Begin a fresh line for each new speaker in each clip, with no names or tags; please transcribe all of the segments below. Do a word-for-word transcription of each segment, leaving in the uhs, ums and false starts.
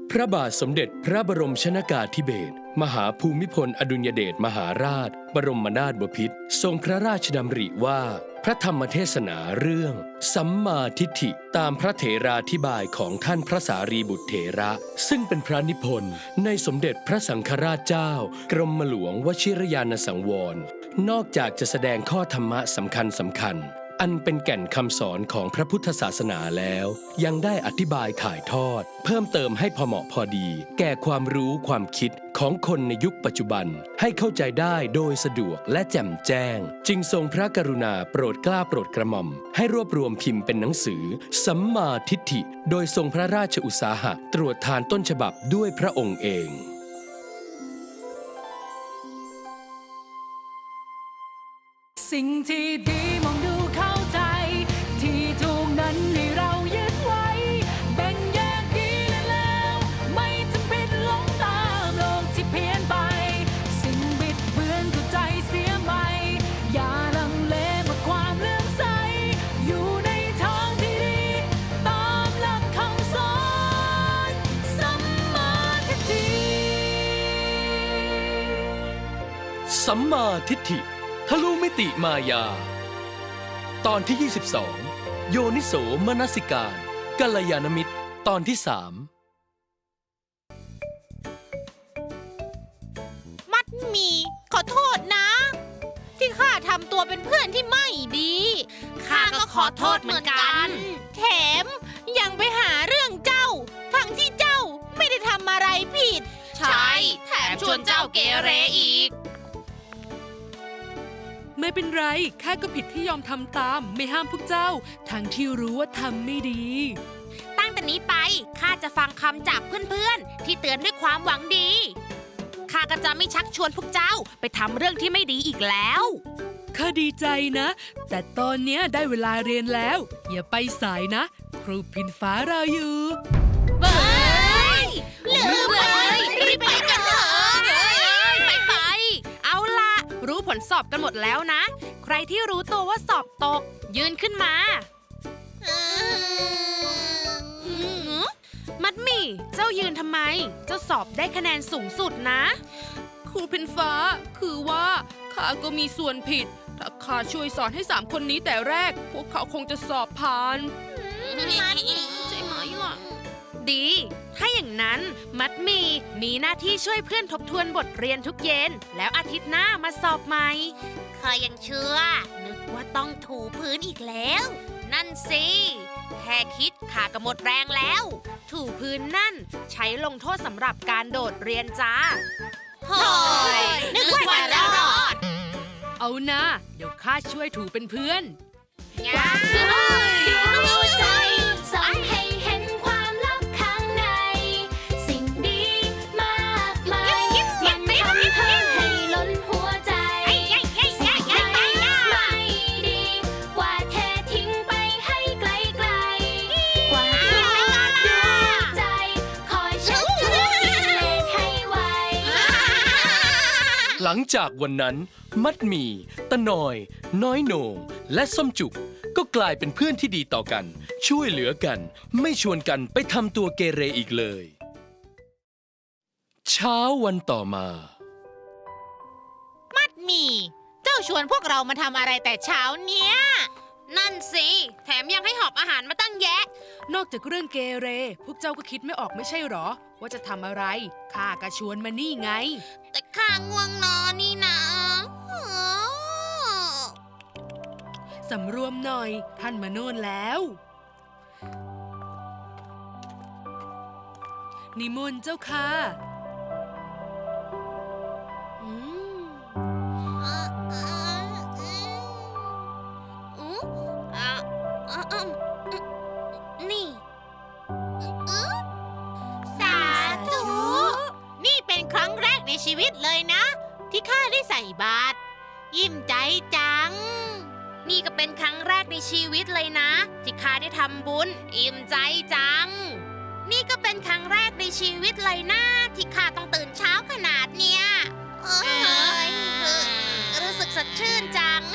พระบาทสมเด็จพระบรมชนกาธิเบศรมหาภูมิพลอดุลยเดชมหาราชบรมนาถบพิตรทรงพระราชดำริว่าพระธรรมเทศนาเรื่องสัมมาทิฏฐิตามพระเถราธิบายของท่านพระสารีบุตรเถระซึ่งเป็นพระนิพนธ์ในสมเด็จพระสังฆราชเจ้ากรมหลวงวชิรยานสังวรนอกจากจะแสดงข้อธรรมะสำคัญสำคัญอันเป็นแก่นคำสอนของพระพุทธศาสนาแล้วยังได้อธิบายถ่ายทอดเพิ่มเติมให้พอเหมาะพอดีแก่ความรู้ความคิดของคนในยุคปัจจุบันให้เข้าใจได้โดยสะดวกและแจ่มแจ้งจึงทรงพระกรุณาโปรดเกล้าโปรดกระหม่อมให้รวบรวมพิมพ์เป็นหนังสือสัมมาทิฏฐิโดยทรงพระราชอุตสาหะตรวจทานต้นฉบับด้วยพระองค์เอง
สิ่งที่ดีมองดูเข้าใจที่ถูกนั้นให้เรายึดไว้แบ่งแยกดีและแล้วไม่จำเป็นหลงตามโลกที่เพี้ยนไปสิ่งบิดเบือนก็ใจเสียใหม่อย่าลังเลเมื่อความเลื่อมใสอยู่ในทางที่ดีตามหลักคำสอนสัมมาทิฏฐิ
สัมมาทิฏฐิทะลุมิติมายาตอนที่ยี่สิบสองโยนิโสมนสิการกัลยาณมิตรตอนที่สาม
มัดหมี่ขอโทษนะที่ข้าทำตัวเป็นเพื่อนที่ไม่ดีข้าก็ขอโทษเหมือนกันแถมยังไปหาเรื่องเจ้าทั้งที่เจ้าไม่ได้ทำอะไรผิดใช่แถมชวนเจ้าเกเรอีก
ไม่เป็นไรข้าก็ผิดที่ยอมทำตามไม่ห้ามพวกเจ้าทั้งที่รู้ว่าทำไม่ดี
ตั้งแต่นี้ไปข้าจะฟังคำจากเพื่อนๆที่เตือนด้วยความหวังดีข้าก็จะไม่ชักชวนพวกเจ้าไปทำเรื่องที่ไม่ดีอีกแล้ว
ข้าดีใจนะแต่ตอนเนี้ยได้เวลาเรียนแล้วอย่าไปสายนะครูพินฟ้ารออยู่
เบ้ยลืมเลยรีบไปกันเถอะไปไปเอาละรู้ผลสอบกันหมดแล้วนะใครที่รู้ตัวว่าสอบตกยืนขึ้นมามัดหมี่เจ้ายืนทำไมเจ้าสอบได้คะแนนสูงสุดนะ
ครูพินฟ้าคือว่าข้าก็มีส่วนผิดถ้าข้าช่วยสอนให้สามคนนี้แต่แรกพวกเขาคงจะสอบผ่าน
ใช่ไหมล่ะดีถ้าอย่างนั้นมัดหมี่มีหน้าที่ช่วยเพื่อนทบทวนบทเรียนทุกเย็นแล้วอาทิตย์หน้ามาสอบใหม่ข้ายังเชื่อนึกว่าต้องถูพื้นอีกแล้วนั่นสิแค่คิดข้าก็หมดแรงแล้วถูพื้นนั่นใช้ลงโทษสำหรับการโดดเรียนจ้าโถ่นึกว่าจะรอด
เอานะเดี๋ยวข้าช่วยถูเป็นเพื่อน
ง่ายดูใจสอนให้เห็นความลับข้างในสิ่งดีมากมายมันทำให้ให้ล้นหัวใจสิ่งใดไม่ดีกว่าเททิ้งไปให้ไกลไกลกว่าที่ดวงใจคอยเช็ดทุกกิเลสให้ไว
หลังจากวันนั้นมัดหมี่ตะนอยน้อยโหน่งและส้มจุกก็กลายเป็นเพื่อนที่ดีต่อกันช่วยเหลือกันไม่ชวนกันไปทำตัวเกเรอีกเลยเช้าวันต่อมา
มัดหมี่เจ้าชวนพวกเรามาทำอะไรแต่เช้าเนี้ยนั่นสิแถมยังให้หอบอาหารมาตั้งแยะ
นอกจากเรื่องเกเรพวกเจ้าก็คิดไม่ออกไม่ใช่หรอว่าจะทำอะไรข้าก็ชวนมานี่ไง
แต่ข้าง่วงนอนนี่นะ
สำรวมหน่อยท่านมาโน่นแล้วนิมนต์เจ้าค่ะ
อืมนี่สาธุนี่เป็นครั้งแรกในชีวิตเลยนะที่ข้าได้ใส่บาตรยิ้มใจจังนี่ก็เป็นครั้งแรกในชีวิตเลยนะที่ข้าได้ทำบุญอิ่มใจจังนี่ก็เป็นครั้งแรกในชีวิตเลยนะที่ข้าต้องตื่นเช้าขนาดเนี้ยรู้สึกสดชื่นจัง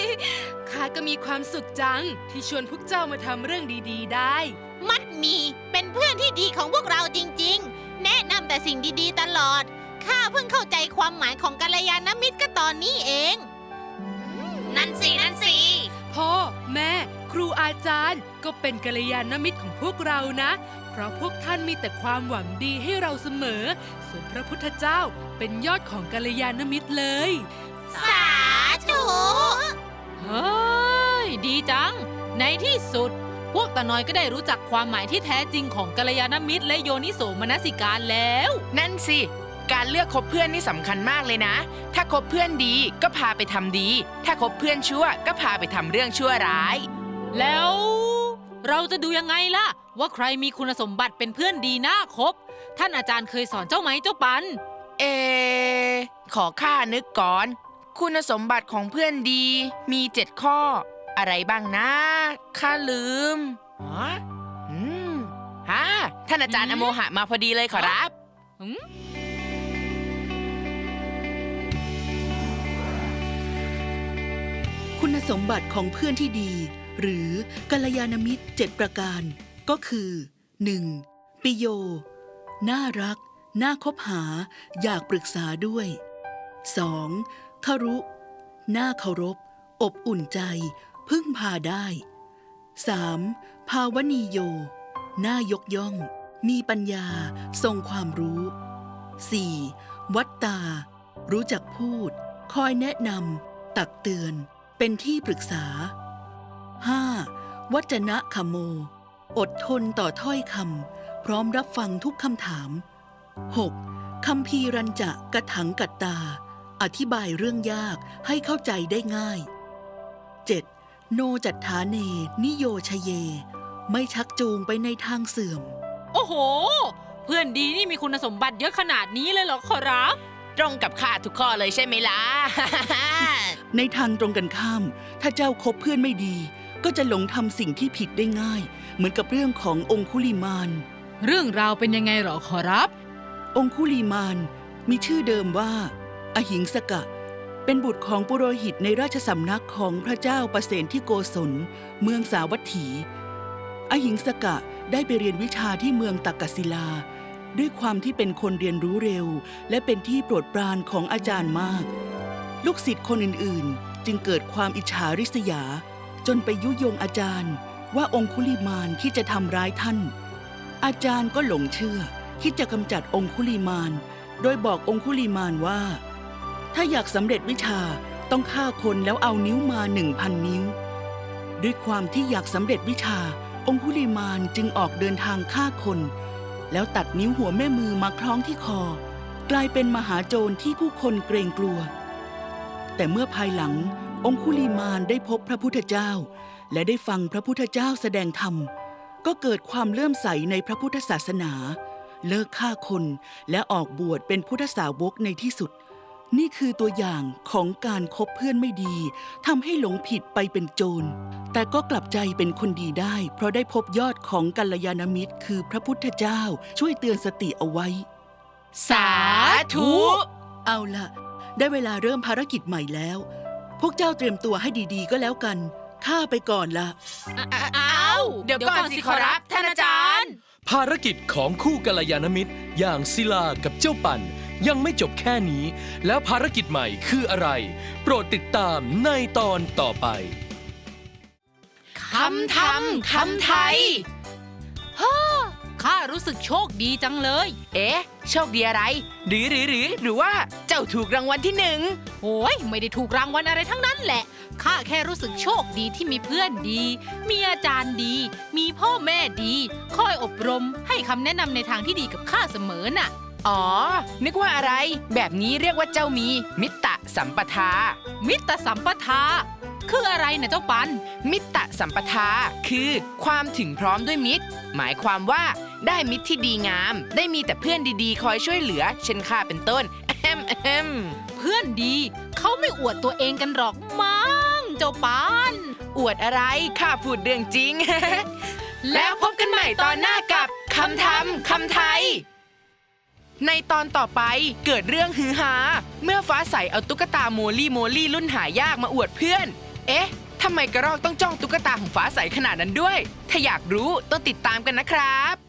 ข้าก็มีความสุขจังที่ชวนพวกเจ้ามาทำเรื่องดีๆได้
มัดหมี่เป็น
เป็นเพื่อนที่ดีของพวกเราจริงๆ แนะนำแต่สิ่งดีๆตลอดข้าเพิ่งเข้าใจความหมายของกัลยาณมิตรก็ตอนนี้เอง
นั่นสินั่นสิ
พ่อแม่ครูอาจารย์ก็เป็นกัลยาณมิตรของพวกเรานะ เพราะพวกท่านมีแต่ความหวังดีให้เราเสมอ ส่วนพระพุทธเจ้าเป็นยอดของกัลยาณมิตรเลย
สาธุ
เฮ้ย ดีจัง ในที่สุด พวกตาน้อยก็ได้รู้จักความหมายที่แท้จริงของกัลยาณมิตรและโยนิโสมนสิการแล้ว
นั่นสิ การเลือกคบเพื่อนนี่สำคัญมากเลยนะ ถ้าคบเพื่อนดีก็พาไปทำดี ถ้าคบเพื่อนชั่วก็พาไปทำเรื่องชั่วร้าย
แล้วเราจะดูยังไงล่ะ ว่าใครมีคุณสมบัติเป็นเพื่อนดีน่าคบ ท่านอาจารย์เคยสอนเจ้าไหมเจ้าปัน
เอ ขอข้านึกก่อน คุณสมบัติของเพื่อนดีมีเจ็ดข้อ อะไรบ้างนะข้าลืมอ๋ออืมฮะท่านอาจารย์อโมหะมาพอดีเลยขอรับ
คุณสมบัติของเพื่อนที่ดี หรือกัลยาณมิตรเจ็ดประการก็คือ หนึ่ง. ปิโย น่ารัก น่าคบหา อยากปรึกษาด้วย สอง. คารุ น่าเคารพ อบอุ่นใจ พึ่งพาได้ สาม. ภาวนีโย น่ายกย่อง มีปัญญา ทรงความรู้ สี่. วัตตา รู้จักพูด คอยแนะนำตักเตือนเป็นที่ปรึกษา ห้า. วัจนะคโม อดทนต่อถ้อยคำพร้อมรับฟังทุกคำถาม หก. คัมภีรัญจะกะถังกัตตา อธิบายเรื่องยากให้เข้าใจได้ง่าย เจ็ด. โนจัตถาเน นิโยชเย ไม่ชักจูงไปในทางเสื่อม
โอ้โห เพื่อนดีนี่มีคุณสมบัติเยอะขนาดนี้เลยเหรอขอรับ
ตรงกับข้าทุกข้อเลยใช่ไหมล่ะ
ในทางตรงกันข้าม ถ้าเจ้าคบเพื่อนไม่ดี ก็จะหลงทำสิ่งที่ผิดได้ง่าย เหมือนกับเรื่องขององคุลิมาน
เรื่องราวเป็นยังไงเหรอขอรับ
องคุลิมานมีชื่อเดิมว่า อหิงสกะ เป็นบุตรของปุโรหิตในราชสำนักของพระเจ้าประเสนที่โกศลเมืองสาวัตถี อหิงสกะได้ไปเรียนวิชาที่เมืองตักกศิลา ด้วยความที่เป็นคนเรียนรู้เร็ว และเป็นที่โปรดปรานของอาจารย์มาก ลูกศิษย์คนอื่นๆ จึงเกิดความอิจฉาริษยา จนไปยุยงอาจารย์ว่าองคุลิมานที่จะทำร้ายท่าน อาจารย์ก็หลงเชื่อคิดจะกำจัดองคุลิมาน โดยบอกองคุลิมานว่า ถ้าอยากสำเร็จวิชาต้องฆ่าคนแล้วเอานิ้วมาหนึ่งพันนิ้ว ด้วยความที่อยากสำเร็จวิชาองคุลิมานจึงออกเดินทางฆ่าคนแล้วตัดนิ้วหัวแม่มือมาคล้องที่คอกลายเป็นมหาโจรที่ผู้คนเกรงกลัวแต่เมื่อภายหลังองคุลิมานได้พบพระพุทธเจ้าและได้ฟังพระพุทธเจ้าแสดงธรรมก็เกิดความเลื่อมใสในพระพุทธศาสนาเลิกฆ่าคนและออกบวชเป็นพุทธสาวกในที่สุดนี่คือตัวอย่างของการคบเพื่อนไม่ดีทำให้หลงผิดไปเป็นโจรแต่ก็กลับใจเป็นคนดีได้เพราะได้พบยอดของกัลยาณมิตรคือพระพุทธเจ้าช่วยเตือนสติเอาไว้
สาธุ
เอาล่ะได้เวลาเริ่มภารกิจใหม่แล้วพวกเจ้าเตรียมตัวให้ดีๆก็แล้วกันข้าไปก่อนละ
อ้าว
เดี๋ยวก่อนสิขอรับท่านอาจารย์
ภารกิจของคู่กัลยาณมิตรอย่างศิลากับเจ้าปั่นยังไม่จบแค่นี้แล้วภารกิจใหม่คืออะไร โปรดติดตามในตอนต่อไป
คำทำคำไทย
ข้ารู้สึกโชคดีจังเลย
เอ๊ะ โชคดีอะไร หรือหรือหรือหรือว่าเจ้าถูกรางวัลที่หนึ่ง
โอ้ยไม่ได้ถูกรางวัลอะไรทั้งนั้นแหละ ข้าแค่รู้สึกโชคดีที่มีเพื่อนดี มีอาจารย์ดี มีพ่อแม่ดี คอยอบรมให้คำแนะนำในทางที่ดีกับข้าเสมอน่ะ
อ๋อ นึกว่าอะไร แบบนี้เรียกว่าเจ้ามีมิตตะสัมปทา
มิตรสัมปทา คืออะไรนะเจ้าปัน
มิตตะสัมปทาคือความถึงพร้อมด้วยมิตร หมายความว่าได้มิตรที่ดีงาม ได้มีแต่เพื่อนดีๆ คอยช่วยเหลือ เช่นข้าเป็นต้นแอมแอม
เพื่อนดีเขาไม่อวดตัวเองกันหรอกมั้งเจ้าปัน
อวดอะไรข้าพูดเรื่องจริง แล้วพบกันใหม่ตอนหน้ากับคำทำคำไทย ในตอนต่อไปเกิดเรื่องฮือฮาเมื่อฟ้าใสเอาตุ๊กตาโมลี่โมลี่รุ่นหายากมาอวดเพื่อน เอ๊ะทำไมกระรอกต้องจ้องตุ๊กตาของฟ้าใสขนาดนั้นด้วย ถ้าอยากรู้ต้องติดตามกันนะครับ